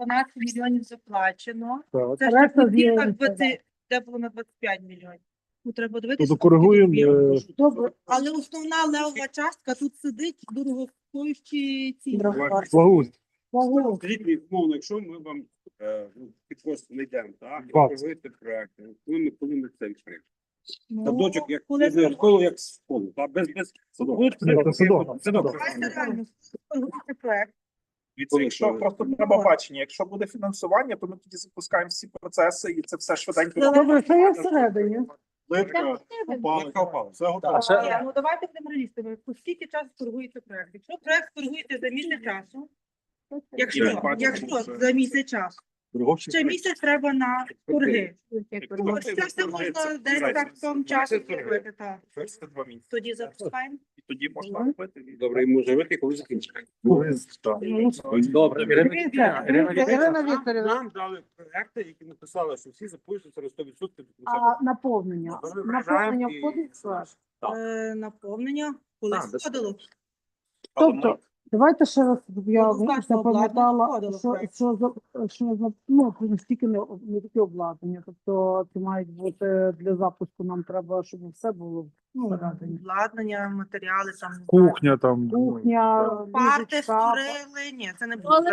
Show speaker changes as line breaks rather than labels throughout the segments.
12 мільйонів заплачено.
Так.
Це ще в кінцях 20, де було на 25 мільйонів. Ну, треба дивитися.
Тобто коригуємо,
Добре, але основна левова частка тут сидить дорогостоящі ці.
Благоустрій.
Скажіть мені, умовно, якщо ми вам під хвост не йдемо, так? І
20.
проводите проєкти, коли ми це відкриємо?
Ну,
Садочок, як
коли
школу, як школу, так? Без
Садок.
Садок.
Давайте реально спробуйте проект.
Дивіться, якщо просто треба бачення, якщо буде фінансування, то ми тоді запускаємо всі процеси і це все швиденько.
Добре, що є всередині?
Плитка, опалення, все готово.
Ну давайте будемо реалістами. По скільки часу торгується проект? Якщо проект торгується за місяць часу, якщо за місяць часу, ще місяць треба на торги. Ось це все можна десь так в тому часі зробити. Так.
Це 2 місяці.
Тоді запускаємо.
І тоді можна робити.
Добре, і може вийти, коли закінчимо.
Добре.
Ірина Вікторівна,
Нам дали проекти, які написали, що всі запишуться на 100% до кінця.
а наповнення?
Ми
Наповнення
вважаємо
входить в склад?
Наповнення колись
без
входило.
Тобто, давайте ще раз, щоб я
Однозначно
запам'ятала,
обладнання входило
що стільки не тільки обладнання, тобто це мають бути для запуску, нам треба, щоб все було всередині.
Обладнання, матеріали, там
Кухня там.
Кухня,
парти
ліжечка.
створили. Ні, це не буде.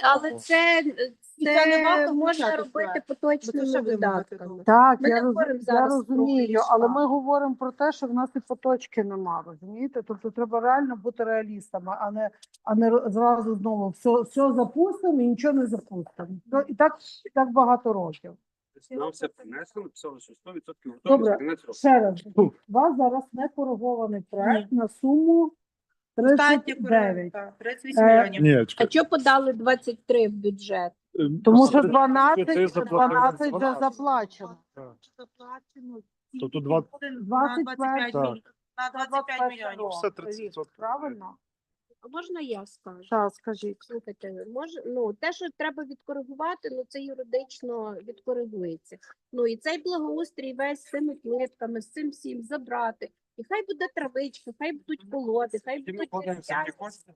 це
не варто
можна
включати
робити
проект.
поточними
Бо це вже
видатками.
Так,
Ми
я,
не говоримо
я
зараз
розумію,
про
але
ліжка.
ми говоримо про те, що в нас і поточки нема, розумієте? Тобто треба реально бути реалістами, а не зразу знову все запустимо і нічого не запустимо. І так багато років.
Нам все принесли, написали, що 100% готові
Добре.
за кінець року.
Ще раз, у вас зараз не коригований проект на суму
Останнє
39.
38 мільйонів.
Ні,
А
чекай.
чого подали 23 в бюджет?
Тому що 12
Ти заплатив
вже заплачено.
Заплачено.
Тобто 20
25
Так.
мільйонів. На 25 мільйонів.
Все 30%.
Правильно?
А можна я скажу?
Так, скажіть.
Слухайте, те, що треба відкоригувати, це юридично відкоригується. І цей благоустрій весь з цими плитками, з цим всім забрати. І хай буде травичка, хай будуть колоди, хай
Ми
будуть
вкладаємо всі
дерев'яні.
кошти.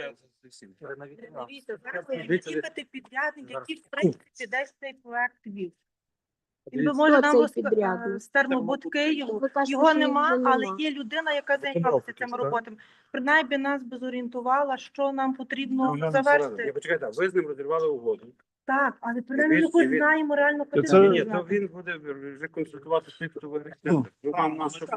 Дивіться, зараз їхати підрядник, який в принципі десь цей проект вів. Він би може
Хто
нам
цей підрядник?
з термобуд Києву.
Ви кажете,
Його
що
нема,
його
але
нема.
є людина, яка займалася цими роботами. Принаймні нас би зорієнтувала, що нам потрібно завершити.
Почекайте, ви з ним розірвали угоду.
Так, але принаймні ми
Він-
хоч
він-
знаємо реально, куди
Це-
ми
Ні, то
знати.
він буде вже консультувати тих, хто вирішує. Вам нас
Так.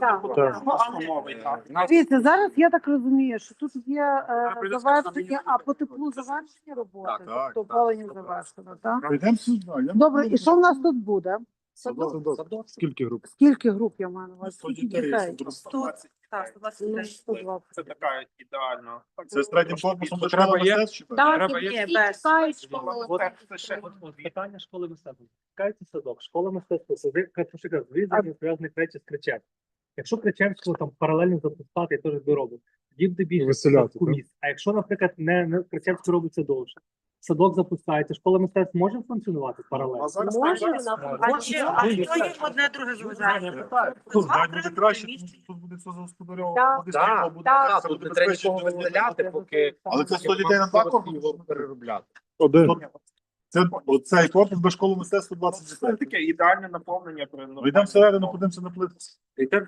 Дивіться, зараз я так розумію, що тут є
прийде
завершення, а по теплу завершення роботи,
Так,
тобто опалення завершено, так?
Йдемо сюди.
Добре, і що в нас тут буде?
Садок. Скільки груп?
Скільки груп я маю на увазі?
100
Скільки
дітей.
дітей?
120.
Так, 123.
120.
Це така ідеальна.
Це з третім корпусом до
Треба
школи
є?
мистецтв? чи так?
Так,
Треба
і
є?
всі
Без.
чекають школи.
Це ще
Питання школи мистецтва. Чекається садок, школа мистецтва, дві зв'язаних речі з Кричевським. Якщо Кричевського там паралельно запускати, я теж би робив, тоді буде більше
Виселяти,
місць. А якщо, наприклад, не Кричевський робиться довше, садок запускається, школа мистецтв може функціонувати паралельно?
А зараз
Може,
зараз-
вона
А що їм одне друге заважає?
Тут буде краще, тут буде все засподарьовано.
Так,
буде світло, буде
так.
все,
Тут
буде
не треба
безпечно.
нікого виселяти, поки...
Але це 100 дітей на два корпуси?
переробляти.
Один.
Це оцей корпус без школи мистецтва 20
Це
дітей.
таке ідеальне наповнення.
Ну, йдемо всередину, подивимося на плитку.
І так,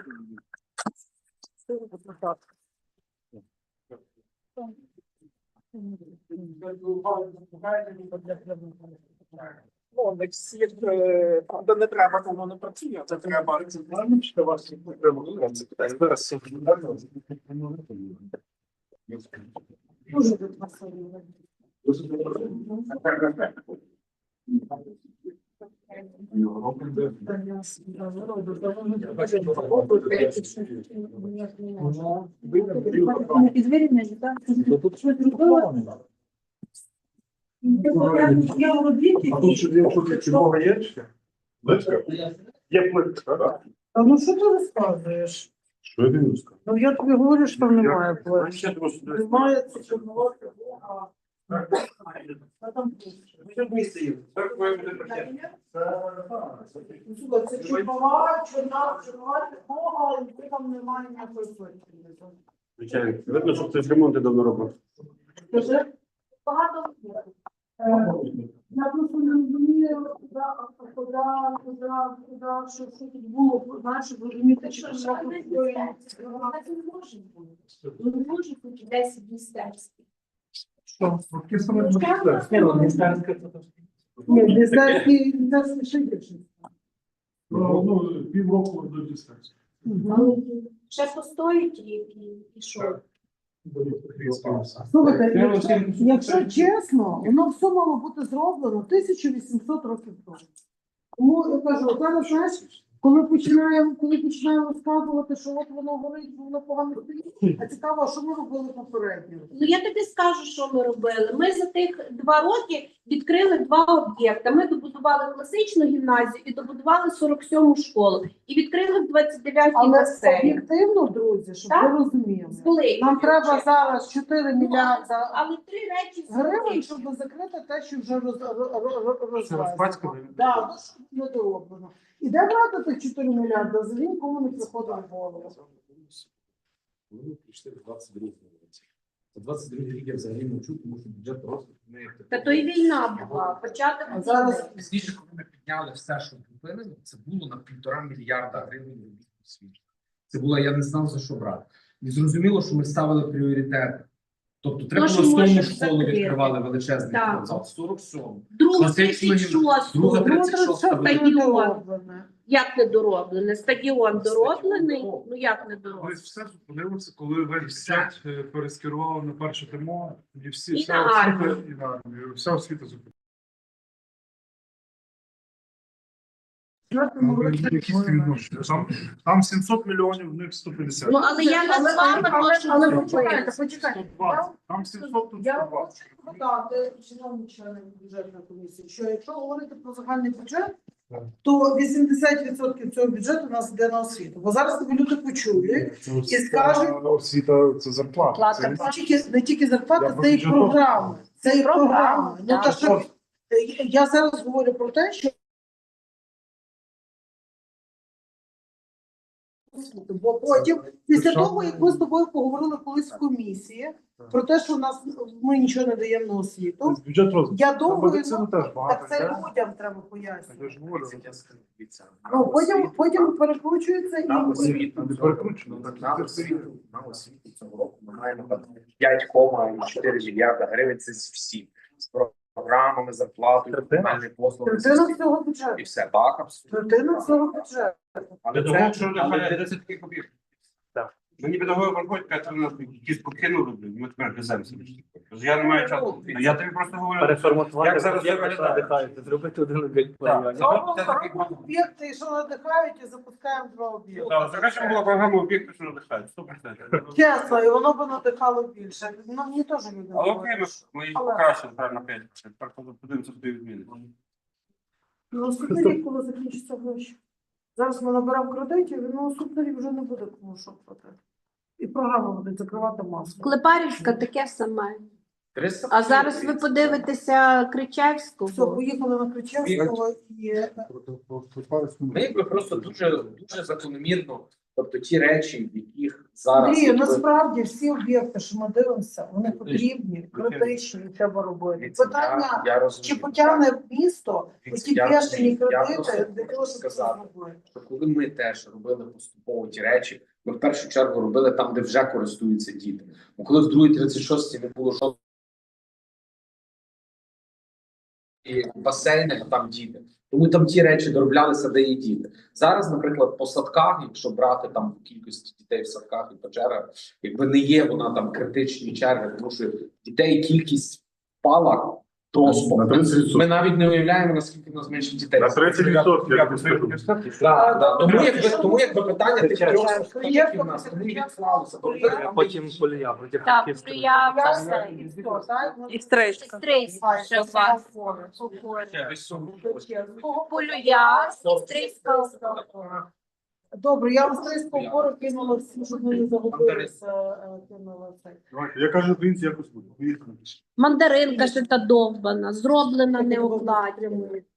Правда, не треба, воно не працює. Це треба.
А тут ще є щось чого є? Плитка? Є плитка, так?
А ну що ти розказуєш?
Що я дивлюсь?
Ну я тобі говорю, що там немає площі.
ще трошки.
Немає це чорноватка. Це чорнова, чорнова технога, і там немає ніякої площі.
Звичайно. Видно, що хтось ремонти давно робив.
Скажи, багато на сказав, що тут було, знаєш, розуміти, що
Ну, не може бути 10 містерських.
Що? Таке саме буде.
Ні, ну, міністерська це то ж.
Ні, лісарські ще більше.
Ну, півроку до дистанції.
Ще постоїть рік і що?
Слухайте, якщо чесно, воно все мало бути зроблено 1800 років тому. Тому я кажу, зараз, знаєш, коли починаємо розказувати, що от воно горить, що воно погано стоїть, а цікаво, а що ми робили попередньо?
Ну, я тобі скажу, що ми робили. Ми за тих 2 роки відкрили 2 об'єкти. Ми добудували класичну гімназію і добудували 47-му школу. І відкрили в 29-й
Але
басейн.
об'єктивно, друзі, щоб
Так?
ви розуміли,
Були.
нам треба зараз 4 мільярда
Але 3 речі
гривень,
зробили.
щоб закрити те, що вже розвезено.
розпацькали?
Так, не дороблено. І де брати тих 4 мільярда? За він кому не приходить в голову.
Вони прийшли в 22 році. За 22 рік я взагалі мовчу, тому що бюджет просто не
Та то й війна була. Початок
А зараз
війни.
пізніше, коли ми підняли все, що купили, це було на 1,5 мільярда гривень робіт у світі. Це було, я не знав за що брати. І зрозуміло, що ми ставили пріоритети. Тобто треба
що
було 100
можеш
школу
закрити.
відкривали величезний
Так.
спортзал, 47.
Другу
Класичну гімназію.
36-ту.
Друга
ну,
36
це
велика.
не дороблене.
Як недороблене? Стадіон дороблений? Ну як недороблений?
Ви все зупинилося, коли весь бюджет перескерували на перше ТМО, і всі
І
вся
на
освіта,
армію.
і на армію. Вся освіта зупинилася. Там 700 мільйонів, в них 150.
Ну, але я не з вами можу
Але
зробити.
почекайте.
120. Там 700, тут
Я
120.
хочу додати, шановні члени бюджетної комісії, що якщо говорити про загальний бюджет, то 80% цього бюджету у нас йде на освіту. Бо зараз тобі люди почують,
Це
І скажуть-
освіта, це зарплата. Це
не тільки зарплата,
Я
це і
бюджет
програми. Це і програми. Ну,
так.
та що, я зараз говорю про те, що бо потім, після того, як ми з тобою поговорили колись в комісії про те, що ми нічого не даємо на освіту,
бюджет розвитку.
я довго
Медицину теж багато.
так це
йде.
людям треба пояснювати.
Я ж говорю.
Ну, потім перекручується і
На освіту.
Не перекручено.
На освіту. На освіту цього року ми маємо 5,4 мільярда гривень. Це з всі. З програмами, зарплатою, комунальні послуги.
третина цього бюджету.
І все. Так, абсолютно.
Третина цього бюджету.
Але
це-
це, що нехай 10 таких об'єктів.
Так.
Мені педагоги приходять, кажуть, у нас якісь покинули, блін, ми тепер веземося. Я не маю часу. Я тобі просто говорю,
Переформатувати
як зараз це
об'єкти, що
виглядає.
надихають, зробити один об'єкт по
Так.
районі.
Робимо об'єкти, що надихають, і запускаємо 2 об'єкти.
Закачемо була програма об'єкту, що надихають, 100%.
Чесно, і воно б надихало більше. Ну, мені теж люди
Але окей,
говорять.
ми їх покращили правильно 5%. Так, подивимося, що відміни.
Ну, наступний рік, коли закінчаться гроші. Зараз ми наберемо кредитів, і на наступний рік вже не буде кому що платити. І програма буде закривати маску.
Клепарівська таке саме.
300.
А зараз ви подивитеся
Все,
Кричевського.
поїхали на Ключевського і
Ми якби просто дуже закономірно, тобто ті речі, в яких зараз
Андрію, насправді всі об'єкти, що ми дивимося, вони потрібні, критичні, і треба робити.
Дивіться,
Питання,
я розумію,
чи потягне місто
Дивіться,
оті
я
бешені
просто
кредити, для
хочу
того, щоб це
сказати,
зробити.
що коли ми теж робили поступово ті речі, ми в першу чергу робили там, де вже користуються діти. Бо коли в другій 36-й не було жодного басейни, а там діти. Тому там ті речі дороблялися, де є діти. Зараз, наприклад, по садках, якщо брати там кількість дітей в садках і по чергах, якби не є вона там критичні черги, тому що дітей кількість впала просто.
На 30%.
Ми навіть не уявляємо, наскільки в нас менше дітей.
На 30%. я б сказав.
Тому якби питання тих
Кричевська.
трьох садків, які в нас тому і відклалося. Бо ви там
Потім полія, проти
Так,
Київського.
я
Я
все.
і все, так?
І стрийська. Ще вас. Полюя, стрийська.
Добре, я вам стрийського опору кинула всі, щоб ми не загубилися. Кинула цей.
Давайте, я кажу, українці якось буде. Поїхали.
Мандаринка ще та довбана, зроблена не обладнана.